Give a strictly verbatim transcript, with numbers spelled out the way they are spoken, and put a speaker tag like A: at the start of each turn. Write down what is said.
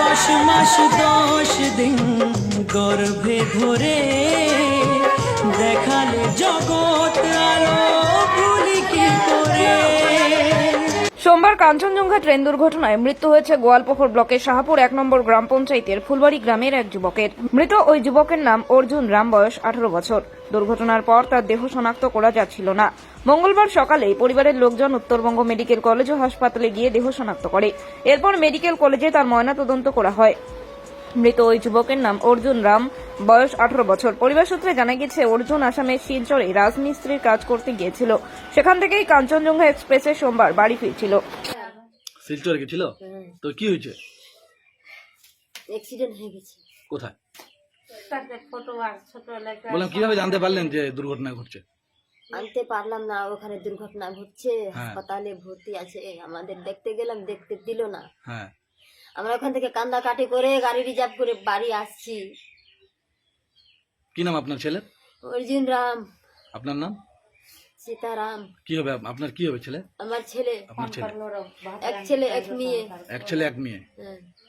A: দশ মাস দশ দিন গর্ভে ধরে দেখালে জগৎ আলো ভুলি কি করে।
B: সোমবার কাঞ্চনজঙ্ঘা ট্রেন দুর্ঘটনায় মৃত্যু হয়েছে গোয়ালপুকুর ব্লকের শাহপুর এক নম্বর গ্রাম পঞ্চায়েতের ফুলবাড়ি গ্রামের এক যুবকের। মৃত ওই যুবকের নাম অর্জুন রাম, বয়স আঠারো বছর। দুর্ঘটনার পর তার দেহ শনাক্ত করা যাচ্ছিল না। মঙ্গলবার সকালে পরিবারের লোকজন উত্তরবঙ্গ মেডিকেল কলেজ ও হাসপাতালে গিয়ে দেহ শনাক্ত করে। এরপর মেডিকেল কলেজে তার ময়নাতদন্ত করা হয়। মৃত ওই যুবকের নাম অর্জুন রাম, বয়স আঠারো বছর। পরিবার সূত্রে জানা গেছে, অর্জুন আসামের শিলচরে রাজমিস্ত্রির কাজ করতে গিয়েছিল। সেখান থেকেই কাঞ্চনজঙ্ঘা এক্সপ্রেসে সোমবার বাড়ি ফিরছিল।
C: শিলচরে গেছিল? তো কি হয়েছে?
D: অ্যাক্সিডেন্ট হয়ে গেছে।
C: কোথায়? বললাম কিভাবে জানতে পারলেন যে দুর্ঘটনা ঘটছে?
D: আনতে পারলাম না, ওখানে দুর্ঘটনা ঘটছে,
C: হ্যাঁ।
D: হাসপাতালে ভর্তি আছে। আমাদের দেখতে গেলাম, দেখতে দিল না।
C: হ্যাঁ,
D: আমরা ওখান থেকে কান্দাকাটি করে গাড়ি রিজার্ভ করে বাড়ি আসছি।
C: কি নাম আপনার ছেলের?
D: অর্জুন রাম।
C: আপনার নাম?
D: সীতারাম।
C: কি হবে আপনার? কি হবে ছেলে?
D: আমার ছেলে,
C: আপনার ছেলে?
D: এক ছেলে এক মেয়ে।
C: এক ছেলে এক মেয়ে।
D: হ্যাঁ।